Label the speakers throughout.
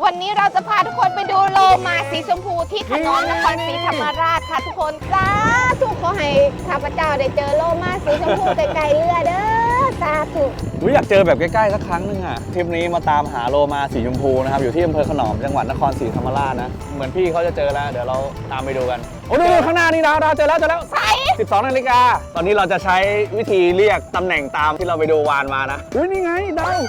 Speaker 1: วันนี้เราจะพาทุกคนไปดูโลมาสีชมพูที่ถนนนครศรีธรรมราชค่ะทุกคนสาธุขอให้ข้าพเจ้าได้เจอโลมาสีชมพูไกลๆเรือเด้อสาธุ
Speaker 2: อยากเจอแบบใกล้ๆสักครั้งนึงอ่ะทริปนี้มาตามหาโลมาสีชมพูนะครับอยู่ที่อำเภอขนอมจังหวัดนครศรีธรรมราชนะเหมือนพี่เขาจะเจอแล้วเดี๋ยวเราตามไปดูกันโอ้ดูข้างหน้านี่ดาวเจอแล้ว
Speaker 1: ใช่
Speaker 2: 12 นาฬิกาตอนนี้เราจะใช้วิธีเรียกตำแหน่งตามที่เราไปดูวานมานะนี่ไงดาว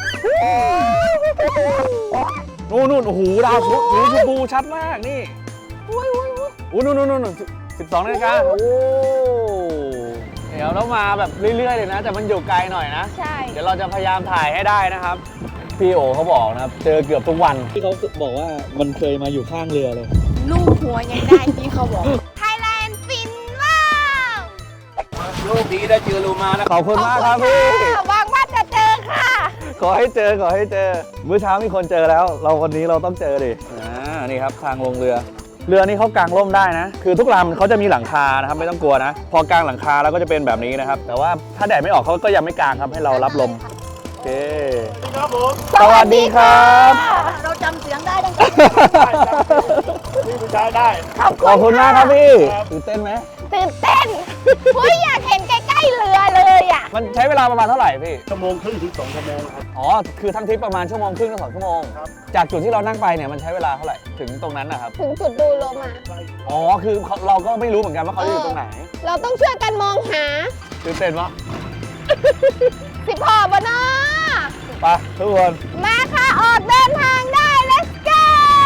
Speaker 2: นู่นโอ้โหดาวสีชมพูชัดมากนี่โอ้นู่น12 นาฬิกาโอ้เดี๋ยวเรามาแบบเรื่อยๆเลยนะแต่มันอยู่ไกลหน่อยนะ
Speaker 1: ใช่
Speaker 2: เดี๋ยวเราจะพยายามถ่ายให้ได้นะครับพี่โอเขาบอกนะครับเจอเกือบทุกวันที่เขาบอกว่ามันเคยมาอยู่ข้างเรือเลย
Speaker 1: ลูกหัวยังได้ที่เขาบอกไทยแลนด์ฟินว้าว
Speaker 2: ลูกดีได้เจอโลมานะขอบคุณมากครับพี่
Speaker 1: หวังว่าจะเจอค่ะ
Speaker 2: ขอให้เจอมื้อเช้ามีคนเจอแล้ววันนี้เราต้องเจอดินี่ครับทางลงเรือนี่เขากางร่มได้นะคือทุกลำเขาจะมีหลังคานะครับไม่ต้องกลัวนะพอกางหลังคาแล้วก็จะเป็นแบบนี้นะครับแต่ว่าถ้าแดดไม่ออกเขาก็ยังไม่กางครับให้เรารับลมโอเค
Speaker 3: ครับผม
Speaker 2: สวัสดีครับ
Speaker 1: เราจำเสียงได้ดัง
Speaker 3: นี่ผู้ชายได้
Speaker 2: ขอบคุณมากครับพี่ตื่นเต้นไหม
Speaker 1: ตื่นเต้นอยากเห็นใกล้ๆเรือเลยอ่ะ
Speaker 2: มันใช้เวลาประมาณเท่าไหร่พี่
Speaker 3: 1.5 ชั่วโมงถึง2 ชั่วโมงครับ
Speaker 2: อ๋อคือทั้งทริปประมาณ1 ชั่วโมงถึง 2 ชั่วโมงจากจุดที่เรานั่งไปเนี่ยมันใช้เวลาเท่าไหร่ถึงตรงนั้นนะครับ
Speaker 1: ถึงจุดดูโลมา
Speaker 2: อ๋อคือเราก็ไม่รู้เหมือนกันว่าเขาอยู่ตรงไหน
Speaker 1: เราต้องช่วยกันมองหา
Speaker 2: ตื่นเต้นปะ
Speaker 1: สิพ่อบะนะ
Speaker 2: ไปทุกคน
Speaker 1: มาค่ะออกเดินทางได้ let's go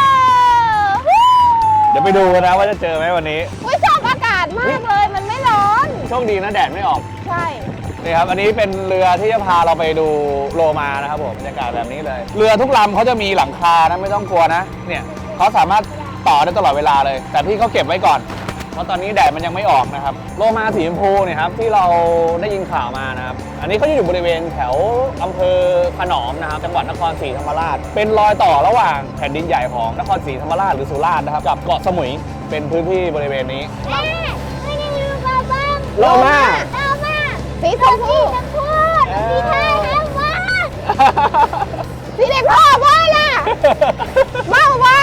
Speaker 2: เดี๋ยวไปดูกันนะว่าจะเจอไหมวันนี้
Speaker 1: ชอบอากาศมากเลยมันไม่ร้อน
Speaker 2: โชคดีนะแดดไม่ออก
Speaker 1: ใช่
Speaker 2: นี่ครับอันนี้เป็นเรือที่จะพาเราไปดูโลมานะครับผมบรรยากาศแบบนี้เลยเรือทุกลำเขาจะมีหลังคานะไม่ต้องกลัวนะเนี่ยเขาสามารถต่อได้ตลอดเวลาเลยแต่พี่เขาเก็บไว้ก่อนเพราะตอนนี้แดดมันยังไม่ออกนะครับโลมาสีชมพูเนี่ยครับที่เราได้ยินข่าวมานะครับอันนี้เขาจะอยู่บริเวณแถวอำเภอขนอมนะครับจังหวัดนครศรีธรรมราชเป็นรอยต่อระหว่างแผ่นดินใหญ่ของนครศรีธรรมราชหรือสุราษฎร์นะครับกับเกาะสมุยเป็นพื้นที่บริเวณนี้โลมา
Speaker 1: สีชมพูสีไทยแล้วว่าสีเด็กพ่อว่าล่ะเมาว่า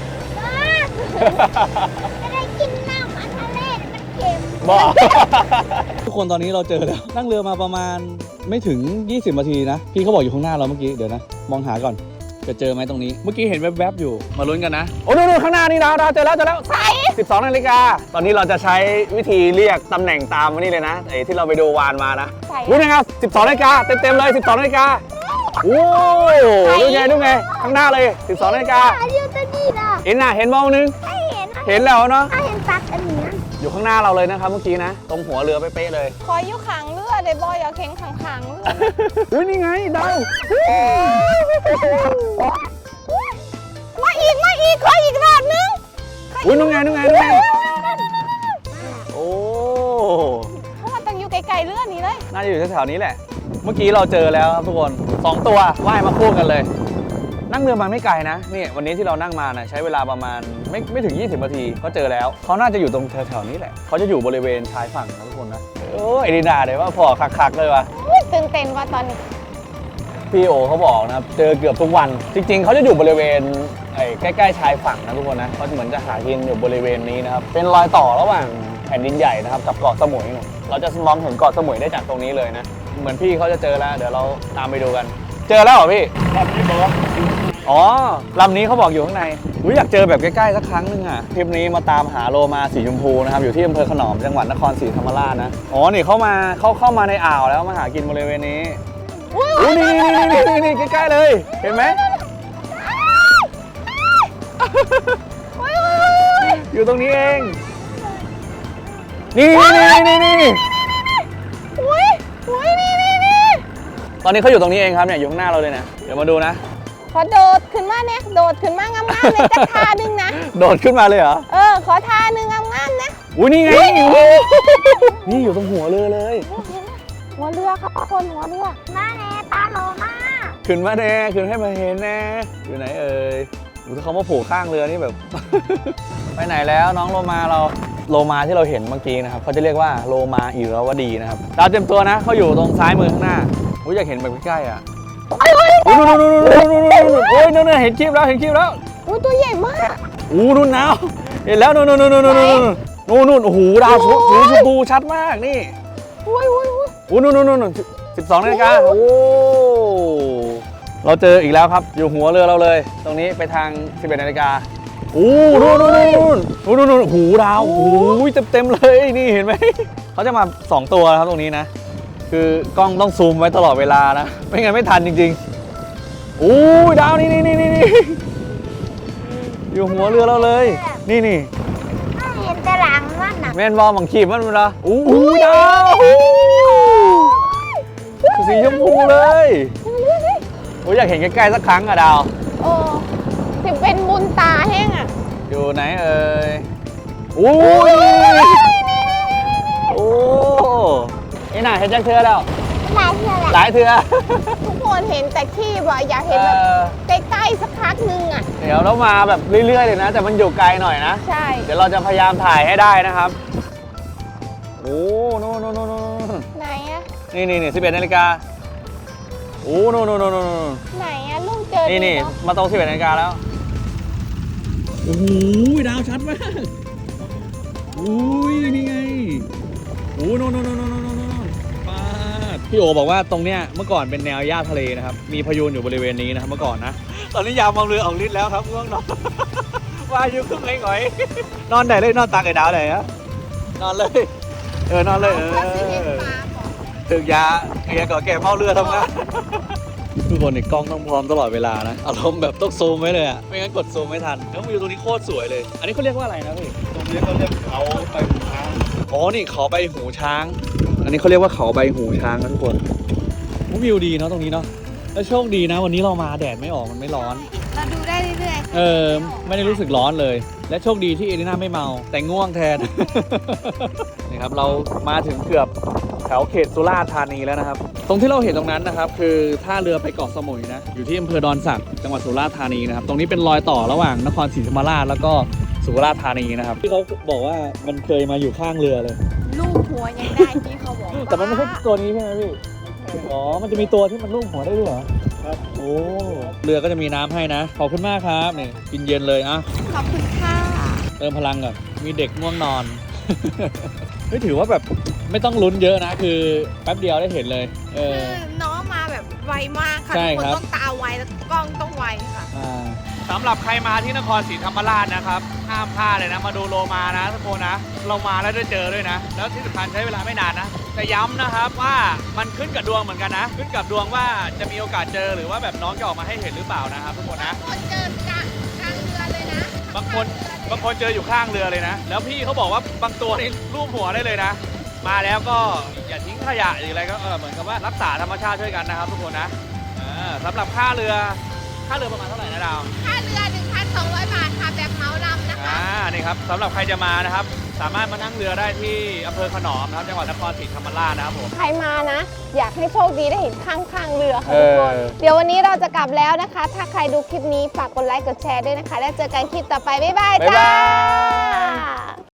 Speaker 1: จะได้กินน้ำมันทะเลมันเค็ม
Speaker 2: บอกทุกคนตอนนี้เราเจอแล้วนั่งเรือมาประมาณไม่ถึง20 นาทีนะพี่เขาบอกอยู่ข้างหน้าเราเมื่อกี้เดี๋ยวนะมองหาก่อนจะเจอไหมตรงนี้เมื่อกี้เห็นแวบๆอยู่มาลุ้นกันนะโอ้ดูข้างหน้านี่ดาวเจอแล้ว
Speaker 1: ใช่
Speaker 2: 12 นาฬิกาตอนนี้เราจะใช้วิธีเรียกตำแหน่งตามมานี่เลยนะไอ้ที่เราไปดูวานมานะรู้ไหมครับ12 นาฬิกาเต็มเลย12 นาฬิกาโอ้ดูไงข้างหน้าเลย12 นาฬิกาเห็นเห็นมองนึงเห็นแล้วเนาะ
Speaker 1: เห็นตัดอันนี้
Speaker 2: อยู่ข้างหน้าเราเลยนะครับเมื่อกี้นะตรงหัวเรือเป๊ะๆเลย
Speaker 1: คอยอยู่ขังเรือเดี๋ยวบอยอย่าเข็งขัง
Speaker 2: เฮ้ยนี่ไงดาว
Speaker 1: มาอีกขออีกรอบนึง
Speaker 2: อุ้ยนู่นไงโอ้
Speaker 1: เพราะว่าต้องอยู่ไกลๆเรือนี้เลย
Speaker 2: น่าจะอยู่แถวๆนี้แหละเมื่อกี้เราเจอแล้วครับทุกคน2 ตัวว่ายมาคู่กันเลยนั่งเรือมาไม่ไกลนะนี่วันนี้ที่เรานั่งมานะใช้เวลาประมาณไม่ถึง20 นาทีก็เจอแล้วเขาน่าจะอยู่ตรงแถวๆนี้แหละเขาจะอยู่บริเวณชายฝั่งนะทุกคนนะโอ้ยดีนาเลยว่าพอคักๆเลยวะ
Speaker 1: ตื่นเต้นว่าตอนนี้
Speaker 2: พี่โอเขาบอกนะครับเจอเกือบทุกวันจริงๆเขาจะอยู่บริเวณใกล้ๆชายฝั่งนะทุกคนนะเขาเหมือนจะหากินอยู่บริเวณนี้นะครับเป็นรอยต่อระหว่างแผ่นดินใหญ่นะครับกับเกาะสมุยเราจะมองเห็นเกาะสมุยได้จากตรงนี้เลยนะเหมือนพี่เขาจะเจอแล้วเดี๋ยวเราตามไปดูกันเจอแล้วเหรอพี่อ๋อลำนี้เขาบอกอยู่ข้างในอยากเจอแบบใกล้ๆสักครั้งนึงอ่ะทริปนี้มาตามหาโลมาสีชมพูนะครับอยู่ที่อำเภอขนอมจังหวัดนครศรีธรรมราชนะอ๋อนี่เขาเข้ามาในอ่าวแล้วมาหากินบริเวณนี้นี่ใกล้ๆเลยเห็นไหมอยู่ตรงนี้เองนี่ตอนนี้เขาอยู่ตรงนี้เองครับเนี่ยอยู่ข้างหน้าเราเลยนะเดี๋ยวมาดูนะ
Speaker 1: ขอโดดขึ้นมางามๆเลยจะท่านึงนะ
Speaker 2: โดดขึ้นมาเลยเหรอ
Speaker 1: ขอท่านึงงามๆนะ
Speaker 2: นี่ไงนี่อยู่ตรงหัวเรือเลย
Speaker 1: หัวเรือครับคนหัวเรือมาแน่ตาโลมา
Speaker 2: ขึ้นมาแน่ขึ้นให้มาเห็นแน่อยู่ไหนถ้าเขามาโผล่ข้างเรือนี่แบบ ไปไหนแล้วน้องโลมาเราโลมาที่เราเห็นเมื่อกี้นะครับเขาจะเรียกว่าโลมาอิราวดีนะครับเราเต็มตัวนะเขาอยู่ตรงซ้ายมือข้างหน้าอยากเห็นแบบใกล้ๆอ่ะโอ้ยนั่นเห็นคลิปแล้ว
Speaker 1: อุ้ยตัวใหญ่มาก
Speaker 2: อู้นู่นนาวเห็นแล้วนู่นนู่นนู่นนู่นนู่นนู่นโอ้โหดาวสีชมพูชัดมากนี่
Speaker 1: อุ้ยอุ้ยอุ้ย
Speaker 2: อู้นู่นนู่นนู่น12 นาฬิกาโอ้เราเจออีกแล้วครับอยู่หัวเรือเราเลย ตรงนี้ไปทาง 11 นาฬิกาอู้นู่นนู่นนู่นนู่นนู่นนู่นหูดาวโอ้ยเต็มเลยนี่เห็นไหมเขาจะมา2 ตัวครับตรงนี้นะคือกล้องต้องซูมไว้ตลอดเวลานะไม่งั้นไม่ทันจริงๆอู้ดาวนี่อยู่หัวเรือเราเลยนี่
Speaker 1: เห็นแต่หลังมันนะ
Speaker 2: แม่นบอลบังขีบมันละอู้ดาวสีชมพูเลยโอ้ยอยากเห็นใกล้ๆสักครั้งอะดาว
Speaker 1: โอ้ถึงเป็นบุญตาแห้งอ่ะ
Speaker 2: อยู่ไหนเอ่ยอู้ยโอ้นี่น่ะเห็นจังเทือแล้ว
Speaker 1: หลายเทื่อแหละ
Speaker 2: หลายเทือ
Speaker 1: ทุกคนเห็นแต่ขี้บ่อยากเห็นแบบใกล้ๆสักพักนึงอ่ะ
Speaker 2: เดี๋ยวเรามาแบบเรื่อยๆเลยนะ แต่มันอยู่ไกลหน่อยนะ
Speaker 1: ใช่
Speaker 2: เดี๋ยวเราจะพยายามถ่ายให้ได้นะครับโอ้นู่น
Speaker 1: ไหนอ่ะ
Speaker 2: นี่11 นาฬิกาโอ้นู่น
Speaker 1: ไหนอ่ะลุงเจอ
Speaker 2: นี่
Speaker 1: ดีเนาะ
Speaker 2: มาตรง11 นาฬิกาแล้วโอ้โหดาวชัดมากอุ้ยนี่ไงโอ้นู่นปาดพี่โอบอกว่าตรงเนี้ยเมื่อก่อนเป็นแนวหญ้าทะเลนะครับมีพายุอยู่บริเวณนี้นะครับเมื่อก่อนนะตอนนี้ยามมองเรือออกฤทธิ์แล้วครับง่วงนอนว่าอยู่ครึ่งหน่อยนอนไหนเลยนอนตากไอ้ดาวไหนฮะนอนเลยนอนเลย
Speaker 1: เขาสิเห็นปลาบอก
Speaker 2: ถึงยาเคลียร์ก่อนแก่เมาเรือทำงานทุกคนในกล้องต้องพร้อมตลอดเวลานะอารมณ์แบบต้องซูมไว้เลยอ่ะไม่งั้นกดซูมไม่ทันแล้ววิวตรงนี้โคตรสวยเลย อันนี้เขาเรียกว่าอะไรนะพี่
Speaker 3: ตรงนี้เขาเรียกเขาไปทาง
Speaker 2: อ๋อนี่เขาใบหูช้าง อันนี้เขาเรียกว่าเขาใบหูช้างนะทุกคนวิวดีเนาะตรงนี้เนาะแล้วโชคดีนะวันนี้เรามาแดดไม่ออกมันไม่ร้อน
Speaker 1: เราดูได้เรื่อย
Speaker 2: ไม่ได้รู้สึกร้อนเลย และโชคดีที่เอลิน่าไม่เมาแต่ง่วงแทน นี่ครับเรามาถึงเกือบแถวเขตสุราษฎร์ธานีแล้วนะครับ ตรงที่เราเห็นตรงนั้นนะครับคือท่าเรือไปเกาะสมุยนะอยู่ที่อำเภอดอนสักจังหวัดสุราษฎร์ธานีนะครับตรงนี้เป็นรอยต่อระหว่างนครศรีธรรมราชแล้วก็สุราษฎร์ธานีนะครับที่เขาบอกว่ามันเคยมาอยู่ข้างเรือเลย
Speaker 1: ๆลูกหัวยังได้ที่เขาบอก
Speaker 2: แต่มันไม่ใช่ตัวนี้ใช่ไหมพี่อ๋อมันจะมีตัวที่มันลูบหัวได้ด้วยเหรอ
Speaker 3: ครับ
Speaker 2: โอ้เรือก็จะมีน้ำให้นะขอบคุณมากครับนี่กินเย็นเลยอ่ะ
Speaker 1: ขอบคุณค่ะ
Speaker 2: เติมพลังก่อนมีเด็กง่วงนอน เฮ้ยถือว่าแบบไม่ต้องลุ้นเยอะนะ คือแป๊บเดียวได้เห็นเลย
Speaker 1: คือน้องมาแบบไวมากค่ะ
Speaker 2: ใช่
Speaker 1: ทุกคน
Speaker 2: ครับ
Speaker 1: ต้องตาไวแล้วกล้องต้องไวค่ะ
Speaker 2: สำหรับใครมาที่นครศรีธรรมราชนะครับห้ามพลาดเลยนะมาดูโลมานะทุกคนนะเรามาแล้วได้เจอด้วยนะ แล้วที่สำคัญใช้เวลาไม่นานนะแต่ย้ำนะครับว่ามันขึ้นกับดวงเหมือนกันนะ ขึ้นกับดวงว่าจะมีโอกาสเจอหรือว่าแบบน้องจะออกมาให้เห็นหรือเปล่านะครับทุกคนนะ
Speaker 1: คนเจอกลางเรือเลยนะ
Speaker 2: บางคนเจออยู่ข้างเรือเลยนะ แล้วพี่เขาบอกว่าบางตัวนี่รูปหัวได้เลยนะ มาแล้วก็อย่าทิ้งขยะหรืออะไรก็เหมือนกับว่ารักษาธรรมชาติช่วยกันนะครับทุกคนนะสำหรับค่าเรือประมาณเท่าไหร่นะดาว
Speaker 1: ค่าเรือ 1,200 บาทค่ะแบบเหมาลำนะคะ
Speaker 2: นี่ครับสำหรับใครจะมานะครับ สามารถมานั่งเรือได้ที่อำเภอขนอมนะครับจังหวัดนครศรีธรรมราชนะครับผม
Speaker 1: ใครมานะ อยากให้โชคดีได้เห็นข้างเรือค่ะทุกคน เดี๋ยววันนี้เราจะกลับแล้วนะคะ ถ้าใครดูคลิปนี้ฝากกดไลค์กดแชร์ด้วยนะคะ แล้วเจอกันคลิปต่อไป บ๊ายบาย
Speaker 2: บ๊าย
Speaker 1: จ้า
Speaker 2: บาย